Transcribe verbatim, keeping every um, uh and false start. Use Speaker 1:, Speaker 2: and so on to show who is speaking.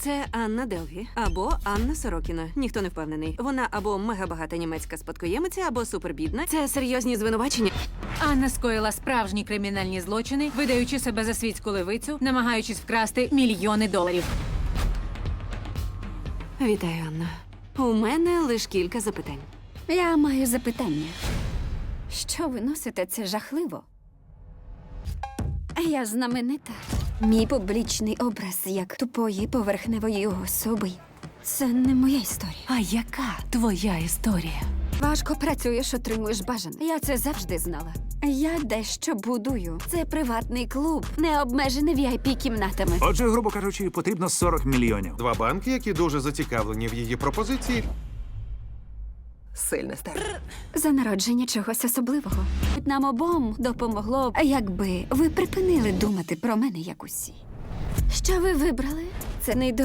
Speaker 1: Це Анна Делві або Анна Сорокіна. Ніхто не впевнений. Вона або мегабагата німецька спадкоємиця, або супербідна. Це серйозні звинувачення.
Speaker 2: Анна скоїла справжні кримінальні злочини, видаючи себе за світську левицю, намагаючись вкрасти мільйони доларів.
Speaker 1: Вітаю, Анна. У мене лише кілька запитань.
Speaker 3: Я маю запитання. Що ви носите? Це жахливо. Я знаменита. Мій публічний образ як тупої поверхневої особи. Це не моя історія.
Speaker 2: А яка твоя історія?
Speaker 3: Важко працюєш, отримуєш бажане. Я це завжди знала. Я дещо будую. Це приватний клуб, не обмежений ві ай пі-кімнатами.
Speaker 4: Отже, грубо кажучи, потрібно сорок мільйонів.
Speaker 5: Два банки, які дуже зацікавлені в її пропозиції.
Speaker 6: Сильне старт.
Speaker 3: За народження чогось особливого. Нам обом допомогло, якби ви припинили думати про мене як усі. Що ви вибрали? Це не